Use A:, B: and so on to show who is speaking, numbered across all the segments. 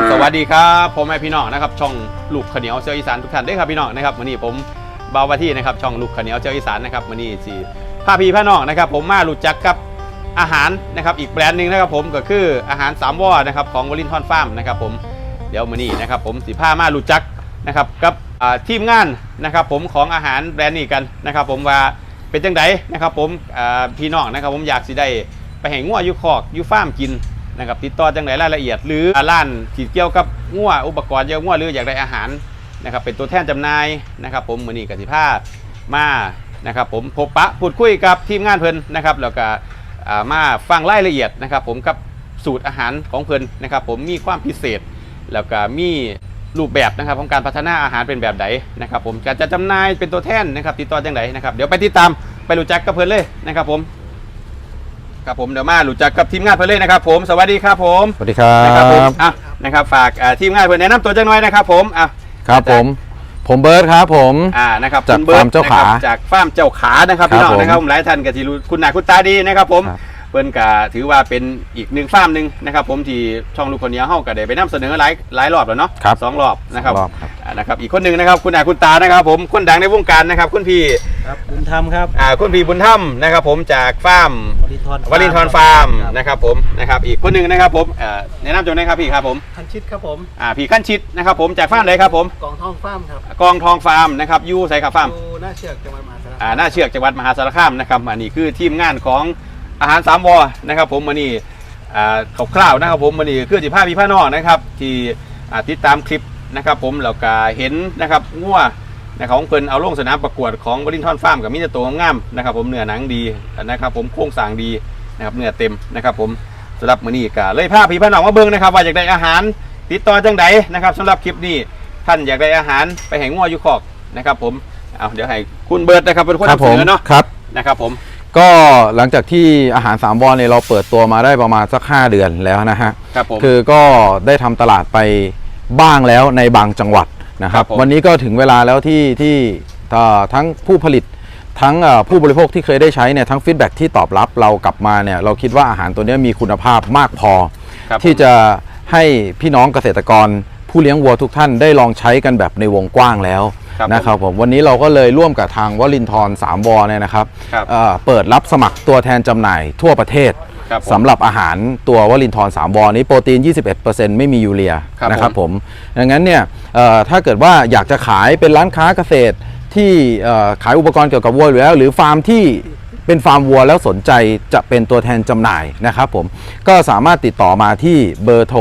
A: สวัสดีครับผมแม่พี่น้องนะครับช่องลูกขเหนียวเซียวอีสานทุกท่านด้วยครับพี่น้องนะครับวันนี้ผมเบาวาที่นะครับช่องลูกขเหนียวเซียวอีสานนะครับวันนี้สิพาพี่น้องนะครับผมมารู้จักกับอาหารนะครับอีกแบรนด์หนึ่งนะครับผมก็คืออาหาร3 วอนะครับของวลินทอนฟาร์มนะครับผมเดี๋ยววันนี้นะครับผมสิพามารู้จักนะครับกับทีมงานนะครับผมของอาหารแบรนด์นี้กันนะครับผมว่าเป็นจังไดนะครับผมพี่น้องนะครับผมอยากสิได้ไปแห่งงัวอยู่คอกอยู่ฟาร์มกินนะครับติดต่อจังไหนรายละเอียดหรือร้านที่เกี่ยวกับงัวอุปกรณ์เกี่ยวกับงัวหรืออยากได้อาหารนะครับเป็นตัวแทนจำหน่ายนะครับผมมื้อนี้ก็สิพามานะครับผมพบปะพูดคุยกับทีมงานเพิ่นนะครับแล้วก็มาฟังรายละเอียดนะครับผมกับสูตรอาหารของเพิ่นนะครับผมมีความพิเศษแล้วก็มีรูปแบบนะครับของการพัฒนาอาหารเป็นแบบไหนนะครับผมการจะจำหน่ายเป็นตัวแทนนะครับติดต่อจังไหนนะครับเดี๋ยวไปติดตามไปรู้จักกับเพิ่นเลยนะครับผมครับผมเดี๋ยวมารู้จักกับทีมงานเพื่อนเลยนะครับผมสวัสดีครับผม
B: สวัสดีครับ
A: นะครับผมนะครับฝากทีมงานเพื่อนแนะนำตัวจังหน่อยนะครับผม
B: ครับผมเบิร์ดครับผม
A: นะครับ
B: จากฟาร์มเจ้าขา
A: จากฟาร์มเจ้าขานะครับพี่น้องนะครับหลายท่านก็ที่รู้คุณหน้าคุณตาดีนะครับผมเพื่อนก็ถือว่าเป็นอีกหนึ่งฟาร์มหนึ่งนะครับผมที่ช่องลูกคนนี้เฮาก็ได้ไปนำเสนอหลายรอบแล้วเนาะ2 รอบนะครับอีกคนหนึ่งนะครับคุณหน้าคุณตานะครับผมคนดังในวงการนะครับคุณพี่
C: บุญธรรมครับ
A: คุณพี่บุญธรรมนะครับผมจากฟาร์มวลินทอนฟาร์มนะครับผมนะครับอีกคนหนึ่งนะครับผมแนะนำตัวหน่อยครับพี่ครับผม
C: ขั้นชิดครับผม
A: พี่ขั้นชิดนะครับผมจากฟาร์มไหนครับผม
C: กองทองฟาร์มครับ
A: กองทองฟาร์มนะครับยูไซครับฟาร์ม
C: หน้าเชือกจังหวัดมหาสารคาม
A: หน้าเชือกจังหวัดมหาสารคามนะครับอันนี้คือทีมงานของอาหาร3 วอนะครับผมวันนี้คร่าวๆนะครับผมวันนี้คือ15 พี่น้องนะครับที่ติดตามคลิปนะครับผมแล้วก็เห็นนะครับงัวนะครับของเพิ่นเอาลงสนามประกวดของวลินทอนฟาร์มกับมิตรตัวงามนะครับผมเนื้อหนังดีนะครับผมโครงสร้างดีนะครับเนื้อเต็มนะครับผมสำหรับมื้อนี้ก็เลยพาพี่น้องมาเบิ่งนะครับว่าอยากได้อาหารติดต่อจังไดนะครับสำหรับคลิปนี้ท่านอยากได้อาหารไปแห่งงัวอยู่คอกนะครับผมเดี๋ยวให้คุณเบิร์ดนะครับเป็นคนนำเสนอเนาะนะครับผม
B: ก็หลังจากที่อาหาร3 วอเนี่ยเราเปิดตัวมาได้ประมาณสัก5 เดือนแล้วนะฮะคือก็ได้ทำตลาดไปบ้างแล้วในบางจังหวัดนะครับวันนี้ก็ถึงเวลาแล้วที่ทั้งผู้ผลิตทั้งผู้บริโภคที่เคยได้ใช้เนี่ยทั้งฟีดแบ็กที่ตอบรับเรากลับมาเนี่ยเราคิดว่าอาหารตัวนี้มีคุณภาพมากพอที่จะให้พี่น้องเกษตรกรผู้เลี้ยงวัวทุกท่านได้ลองใช้กันแบบในวงกว้างแล้วนะครับผมวันนี้เราก็เลยร่วมกับทางวลินทร์3 วอเนี่ยนะครับเปิดรับสมัครตัวแทนจำหน่ายทั่วประเทศสำหรับอาหารตัววลินทร์3 วอนี้โปรตีน 21% ไม่มียูเรียนะครับผมดังนั้นเนี่ยถ้าเกิดว่าอยากจะขายเป็นร้านค้าเกษตรที่ขายอุปกรณ์เกี่ยวกับวัวอยู่แล้วหรือฟาร์มที่เป็นฟาร์มวัวแล้วสนใจจะเป็นตัวแทนจำหน่ายนะครับผมก็สามารถติดต่อมาที่เบอร์โทร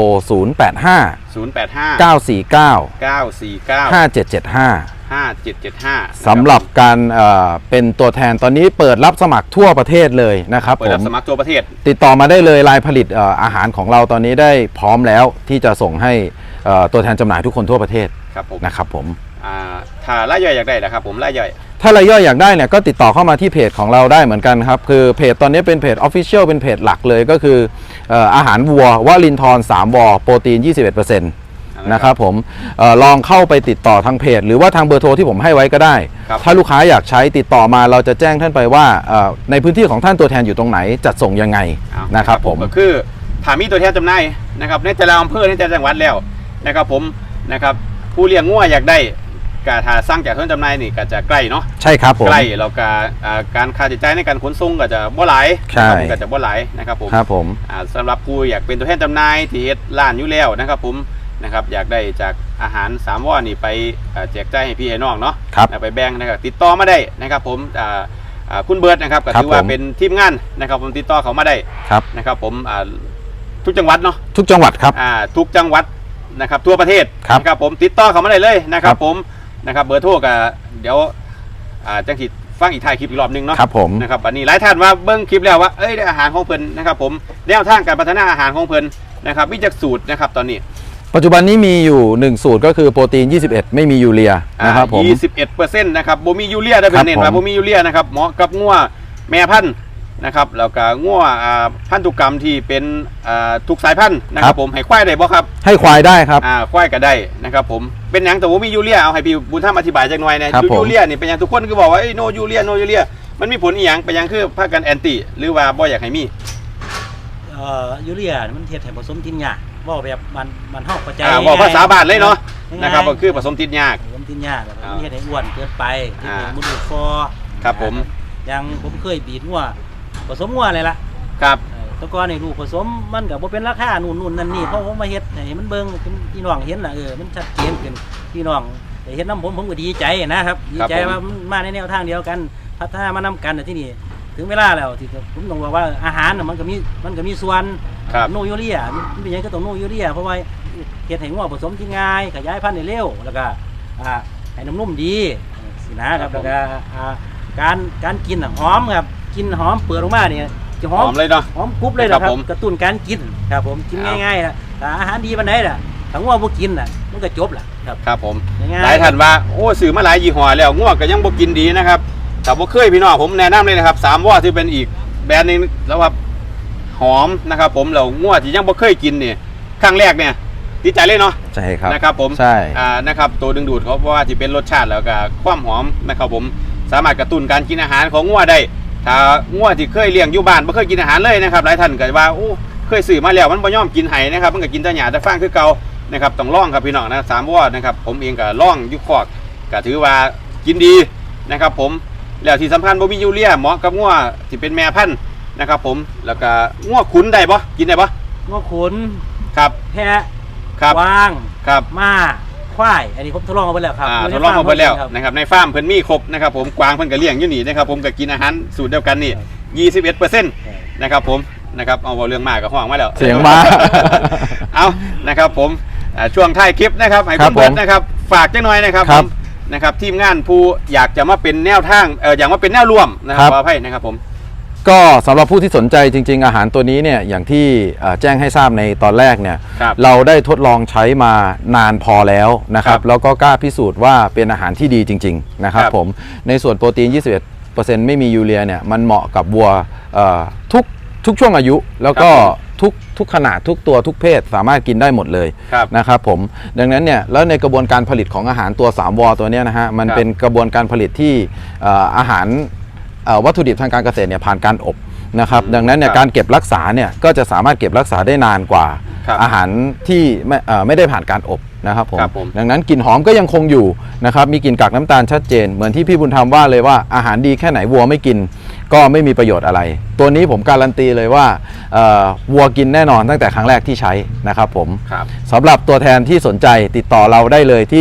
A: 085-949-5775
B: สำหรับการเป็นตัวแทนตอนนี้เปิดรับสมัครทั่วประเทศเลยนะครับ
A: เปิดรับสมัครทั่วประเทศ
B: ติดต่อมาได้เลยรายผลิตอาหารของเราตอนนี้ได้พร้อมแล้วที่จะส่งให้ตัวแทนจำหน่ายทุกคนทั่วประเทศนะครับผม
A: ถ้ารายย่อยอยากได้นะครับผมรายย่อย
B: ถ้ารายย่อยอยากได้เนี่ยก็ติดต่อเข้ามาที่เพจของเราได้เหมือนกันครับคือเพจตอนนี้เป็นเพจ Official เป็นเพจหลักเลยก็คืออาหารวัววลินทร์3 วอโปรตีน 21%นะครับผมลองเข้าไปติดต่อทางเพจหรือว่าทางเบอร์โทรที่ผมให้ไว้ก็ได้ถ้าลูกค้าอยากใช้ติดต่อมาเราจะแจ้งท่านไปว่าในพื้นที่ของท่านตัวแทนอยู่ตรงไหนจัดส่งยังไงนะครับผม
A: ก็คือถามีตัวแทนจำหน่ายนะครับในแต่ละอำเภอในแต่ละจังหวัดแล้วนะครับผมนะครับผู้เลี้ยงงัวอยากได้การหาสร้างจากต้นจำหน่ายนี่ก็จะใกล้เนาะ
B: ใช่ครับผม
A: ใกล้แล้วก็การค่าใช้จ่ายในการขนส่งก็จะบ่หลายก็จะบ่หลายนะครับผมสำหรับผู้อยากเป็นตัวแทนจำหน่ายที่เฮ็ดร้านอยู่แล้วนะครับผมนะครับอยากได้จากอาหาร3 วอนี่ไปแจกจ่ายให้พี่ให้น้องเนาะไปแบ่งนะครับติดต่อมาได้นะครับผมคุณเบิร์ดนะครับก็ถือว่าเป็นทีมงานนะครับผมติดต่อเขามาได้นะครับผมทุกจังหวัดเนาะ
B: ทุกจังหวัดครับ
A: ทุกจังหวัดนะครับทั่วประเทศนะครับผมติดต่อเขามาได้เลยนะครับผมนะครับเบอร์โทรก็เดี๋ยวจังสิฟังอีกท้ายคลิปอีกรอบนึงเนาะ
B: ครับผม
A: นะครับอันนี้หลายท่านว่าเบิ้งคลิปแล้วว่าได้อาหารของเพิ่นนะครับผมแนวทางการพัฒนาอาหารของเพิ่นนะครับมีจักสูตรนะครับตอนนี้
B: ปัจจุบันนี้มีอยู่1สูตรก็คือโปรตีน21ไม่มียูเรียนะครับผม
A: 21%นะครับบ่มียูเรียได้เป็นเน้นว่าบ่มียูเรียนะครับเหมาะกับงัวแม่พันธุ์นะครับแล้วก็งัวพันธุกรรมที่เป็นทุกสายพันธุ์นะครับผมให้ควายได้บ่ครับ
B: ให้ควายได้ครับ
A: ควายก็ได้นะครับผมเป็นหยังแต่ว่ามียูเรียเอาให้พี่บุญธรรมอธิบายจักหน่อยนะยูเรียนี่เป็นหยังทุกคนก็บอกว่าโนยูเรียมันมีผลอีหยังเป็นหยังคือพากันแอนตี้หรือว่าบ่อยากให้มี
C: ยูเรียมันเฮ็ดให้ผสมกินยากว่าแบบมันเฮาเข้าใจ
A: บอกภาษาบ้านเลยเนาะ
C: ง่ายๆ
A: นะครับก็คือผสมติดยาก
C: ผสมติดยากแบบนี้เฮ็ดให้อ้วนเกินไปที่เป็นมุดคอ
A: ครับผม
C: อย่างผมเคยบีดงัวผสมงัวเลยล่ะ
A: ครับ
C: แตะกอนในลูกผสมมันก็บ่เป็นราคานู่นนั่นนี่เพราะผมมาเฮ็ดให้มันเบิ่งเป็นพี่น้องเห็นน่ะมันชัดเจนขึ้นพี่น้องได้เฮ็ดน้ำผมก็ดีใจนะครับดีใจว่ามันมาในแนวทางเดียวกันพัฒนามานำกันที่นี่ถึงเวลาแล้วที่ผมต้องบอกว่าอาหารน่ะมันก็มีส่วน
A: ครับ
C: โนยูเรียมันเป็นหยังก็ต้องโนยูเรียเพราะว่าเฮ็ดให้งัวผสมที่ง่ายขยายพันธุ์ได้เร็วแล้วก็ให้น้ำนุ่มดีสินะครับแล้วก็การกินน่ะหอมครับกินหอมเปิดออกมาเนี่ยจะห
A: ห
C: อ
A: อ
C: ม
A: มเลยเนาะ
C: หอมกรุบเลยนะค
A: ครั
C: รั
A: บบ ผม
C: กระตุ้นการกินครับผมกิน
A: ครับ
C: ง่ายๆนะแต่อาหารดีปานใดล่ะถ้างัวบ่กินน่ะมันก็จบล่ะครับ
A: ครับผม
C: ง่ายๆ
A: หลายท่านว่าโอ้ซื้อมาหลายยี่ห้อแล้วง่วงก็ยังบ่กินดีนะครับแต่บ่เคยพี่น้องผมแนะนำเลยนะครับ3ว่าที่เป็นอีกแบรนด์หนึงแล้วว่าหอมนะครับผมแล้วง่วงที่ยังบ่เคยกินนี่ครั้งแรกเนี่ยติดใจเลยเนาะ
B: ใช่ครับ
A: นะครับผม
B: ใช่
A: นะครับตัวดึงดูดเขาเพราะว่าที่เป็นรสชาติแล้วก็ความหอมนะครับผมสามารถกระตุ้นการกินอาหารของง่วงได้ถ้าง่วงที่เคยเลี้ยงอยู่บ้านบ่เคยกินอาหารเลยนะครับหลายท่านก็ว่าโอ้เคยซื้อมาแล้วมันบ่ยอมกินไห้นะครับมันก็กินแต่หญ้าแต่ฟางคือเก่านะครับต้องลองครับพี่น้องนะ3ว่านะครับผมเองก็ลองอยู่คอกก็ถือว่ากินดีนะครับผมแล้วที่สำคัญบ่มียูเรียเหมาะกับง่วงที่เป็นแม่พันธุ์นะครับผมแล้วก็ง่วงขุนได้บ่กินได้บ่
C: งัวขุน
A: ครับ
C: แพะ
A: ครับ
C: กวาง
A: ครับ
C: ม้าควายอันนี้ผมทดลองมาไปแล้วครับ
A: ทดลองมาเบิดแล้ว
C: ครับ
A: นะครับในฟาร์มเพิ่นมีครบนะครับผมกวางเพิ่นก็เลี้ยงอยู่นี่นะครับผมก็กินอาหารสูตรเดียวกันนี่ 21%นะครับผมนะครับเอาเรื่องมากกับห้องมาแล้ว
B: เสียงมา
A: เอานะครับผมช่วงท้ายคลิปนะครับให้
B: ครั
A: คุ
B: บ
A: ณเบิร์ด
B: ผม
A: นะครับฝากจังหน่อยนะครับ
B: ค
A: ผ
B: รับ
A: มนะครับทีมงานผู้อยากจะมาเป็นแนวทางอยากมาเป็นแนวร่วมนะค
B: ครั
A: รับบ ขออภัยนะครับผม
B: ก็สำหรับผู้ที่สนใจจริง ๆ อาหารตัวนี้เนี่ยอย่างที่แจ้งให้ทราบในตอนแรกเนี่ย
A: ครับ
B: เราได้ทดลองใช้มานานพอแล้วนะครับแล้วก็กล้าพิสูจน์ว่าเป็นอาหารที่ดีจริงๆนะครับ
A: ครับ
B: ผมในส่วนโปรตีน 21%ไม่มียูเรียเนี่ยมันเหมาะกับวัวทุกช่วงอายุ แล้วก็ทุกขนาดทุกตัวทุกเพศสามารถกินได้หมดเลย
A: ครับ
B: นะครับผมดังนั้นเนี่ยแล้วในกระบวนการผลิตของอาหารตัว3วอตัวเนี้ยนะฮะมัน
A: ครับ
B: เป็นกระบวนการผลิตที่อาหารวัตถุดิบทางการเกษตรเนี่ยผ่านการอบนะครับดังนั้นเนี่ย
A: ครับ
B: การเก็บรักษาเนี่ยก็จะสามารถเก็บรักษาได้นานกว่า
A: ครับ
B: อาหารที่ไม่ได้ผ่านการอบนะครับผม
A: ครับผม
B: ดังนั้นกลิ่นหอมก็ยังคงอยู่นะครับมีกลิ่นกากน้ำตาลชัดเจนเหมือนที่พี่บุญธรรมว่าเลยว่าอาหารดีแค่ไหนวัวไม่กินก็ไม่มีประโยชน์อะไร ตัวนี้ผมการันตีเลยว่าวัวกินแน่นอนตั้งแต่ครั้งแรกที่ใช้นะครับผม
A: ครับ
B: สำหรับตัวแทนที่สนใจติดต่อเราได้เลยที่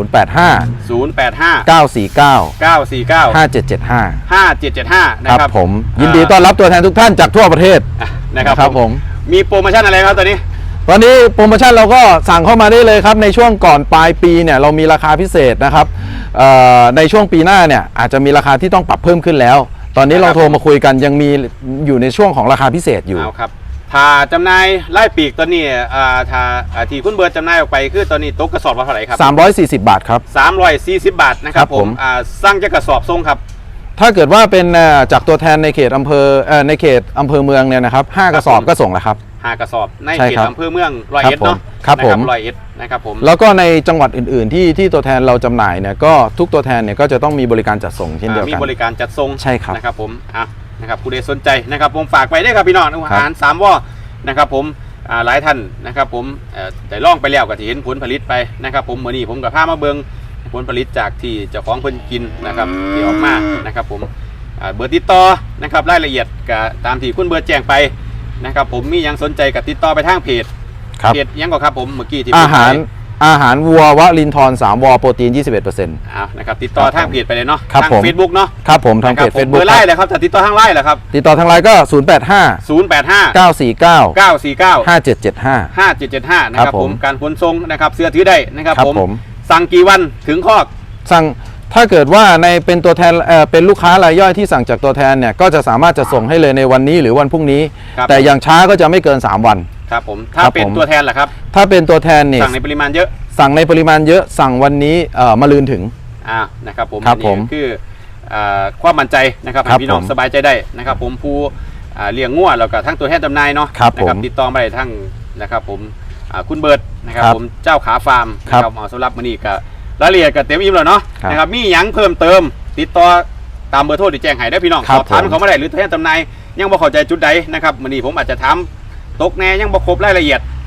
A: 085
B: 085 949
A: 949
B: 5775
A: 5775 นะ
B: ค
A: ค
B: รั
A: รั
B: บบ ผมยินดีต้อนรับตัวแทนทุกท่านจากทั่วประเทศ
A: นะครับผมมีโปรโมชั่นอะไรครับตอนนี้
B: ตอนนี้โปรโมชั่นเราก็สั่งเข้ามาได้เลยครับในช่วงก่อนปลายปีเนี่ยเรามีราคาพิเศษนะครับในช่วงปีหน้าเนี่ยอาจจะมีราคาที่ต้องปรับเพิ่มขึ้นแล้ว ตอนนี้เราโทรมาคุยกันยังมีอยู่ในช่วงของราคาพิเศษอยู่
A: เอาครับถ้าจำหน่ายไล่ปีกตอนนี้ถ้าที่คุณเบิร์ดจำหน่ายออกไปคือตอนนี้ตกกระสอบละเท่าไหร่ครับ
B: 340 บาทครับ
A: 340 บาทนะครับ
B: ครับ
A: ผ
B: ผม ม
A: สร้างจะกระสอบทรงครับ
B: ถ้าเกิดว่าเป็นจากตัวแทนในเขตอำเภอในเขตอำเภอเมืองเนี่ยนะครับ5กระสอบก็ส่งแล้วครับ
A: 5 กระสอบใน
B: ใช่
A: เขต
B: ครับ
A: อำเภอเมืองร้อยเอ็ดเนาะ
B: ครับผม
A: ร้อยเอ็ดนะครับผม
B: แล้วก็ในจังหวัดอื่นๆที่ตัวแทนเราจำหน่ายเนี่ยก็ทุกตัวแทนเนี่ยก็จะต้องมีบริการจัดส่งเช่นเดียว
A: มี
B: กัน
A: บริการจัดส่ง
B: ใช่ครับ
A: นะครับผมนะครับผู้ใดสนใจนะครับผมฝากไปได้ครับพี่น้องอาหาร3ว่อนะครับผมหลายท่านนะครับผมได้ลองไปแล้วก็ที่เห็นผลผลิตไปนะครับผมเมื่อนี้ผมกับพามาเบิงผลผลิตจากที่เจ้าของเพิ่นกินนะครับที่ออกมานะครับผมเบอร์ติดต่อนะครับรายละเอียดก็ตามที่คุณเบิร์ดแจ้งไปนะครับผมมียังสนใจกับติดต่อไปทางเพจ
B: ครับ
A: เพจยังก็ครับผมเมื่อกี้ที่
B: อา
A: พูดไป
B: หารวัววลินทร3วโปรตีน 21%
A: นะครับติดต่อทางเพจไปเลยเนาะ
B: ครับ
A: ทาง
B: ผม
A: เฟซบุ๊กเนาะ
B: ครับผมทางเพจ
A: นะครับผม
B: Facebook
A: เบอร์ไล่เลยครับถ้าติดต่อทางไล่เหรอครับ
B: ติดต่อทางไลน์ก็ 085
A: 085
B: 949
A: 949
B: 5775
A: 5775 นะค
B: ครั
A: รับบ
B: ผม
A: ผมการขนส่งนะครับเสื้อถือได้นะครับ
B: ครับ
A: ผม
B: ผม
A: สั่งกี่วันถึงคอก
B: สั่งถ้าเกิดว่าในเป็นตัวแทนเป็นลูกค้ารายย่อยที่สั่งจากตัวแทนเนี่ยก็จะสามารถจะส่งให้เลยในวันนี้หรือวันพรุ่งนี้
A: ครับ
B: แต่อย่างช้าก็จะไม่เกิน 3 วัน
A: ครับผมถ้า
B: ครับ
A: เป็น
B: ผม
A: ตัวแทนล่ะครับ
B: ถ้าเป็นตัวแทนเนี่ย
A: สั่งในปริมาณเยอะ
B: สั่งในปริมาณเยอะสั่งวันนี้มะรืนถึง
A: นะครับผม
B: ครับ
A: อัน
B: ผ
A: นี้
B: ม
A: คือความมั่นใจนะครับ
B: ครั
A: ให้
B: บ
A: พี่น้อง
B: ผม
A: สบายใจได้นะครับผมผู้เลี้ยงงัวแล้วก็ทั้งตัวแทนจำหน่ายเนาะ
B: ครับ
A: นะครับ
B: ผม
A: ติดต่อมาได้ทั้งนะครับผมคุณเบิร์ดนะครับ
B: ครับ
A: ผมเจ้าขาฟาร์ม
B: ครับ
A: นะครับเอาสำหรับมื้อนี้ก็รายละเอียดก็เต็มอิ่มแล้วเนาะ
B: ครับ
A: นะครับมีหยังเพิ่มเติม ติดต่อตามเบอร์โทรที่แจ้งให้ได้พี่น้อง
B: ครั
A: ส
B: บ
A: อบถาม
B: ผม
A: เขามาได้หรือตัวแทนจำหน่ายยังบ่เข้าใจจุดใดนะครับมื้อนี้ผมอาจจะถามตกแน่ยังบ่ครบรายละเอียด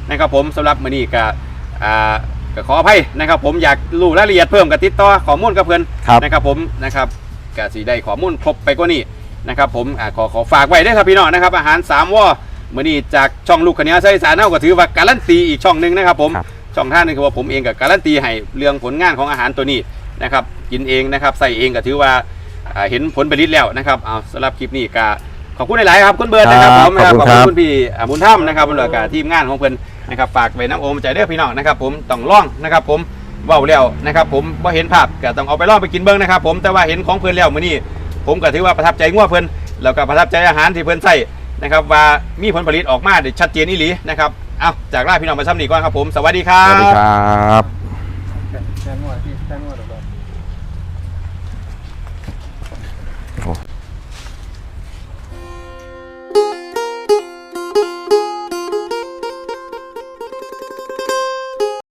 A: นะครับผมสำหรับมื้อนี้ก็ขออภัยนะครับผมอยากรู้รายละเอียดเพิ่มก็ติดต่อข้อมูลกับเพิ่นนะครับผมนะครับก็สิได้ข้อมูลครบไปกว่านี้นะครับผมขอฝากไว้ด้วยครับพี่น้องนะครับอาหาร3วอมื้อนี้จากช่องลูกขะเหนียวเสี้ยวอีสานเฮาก็ถือว่าการันตีอีกช่องนึงนะครับผมช่องท่านนึงคือว่าผมเองก็การันตีให้เรื่องผลงานของอาหารตัวนี้นะครับกินเองนะครับใส่เองก็ถือว่าเห็นผลผลิตแล้วนะครับเอาสำหรับคลิปนี้ก็ขอบคุณหลายๆครับคุณเบิร์ดนะครับผมนะครับขอบคุณพี่บุญธรรมนะครับแล้วก็ทีมงานของเพิ่นนะครับฝากไว้น้ำโอมใจเด้อพี่น้องนะครับผมต้องล่องนะครับผมเว้าแล้วนะครับผมบ่เห็นภาพก็ต้องเอาไปล่องไปกินเบิ่งนะครับผมแต่ว่าเห็นของเพิ่นแล้วมื้อนี้ผมก็ถือว่าประทับใจงัวเพิ่นแล้วก็ประทับใจอาหารที่เพิ่นใส่นะครับว่ามีผลผลิตออกมาได้ชัดเจนอีหลีนะครับเอาจากลาพี่น้องไปซ้ำนี้ก่อนครับผมสวัสดีครั
B: สวัสดี
A: บ
B: ครับ
C: แค่นวดที่แค่นวด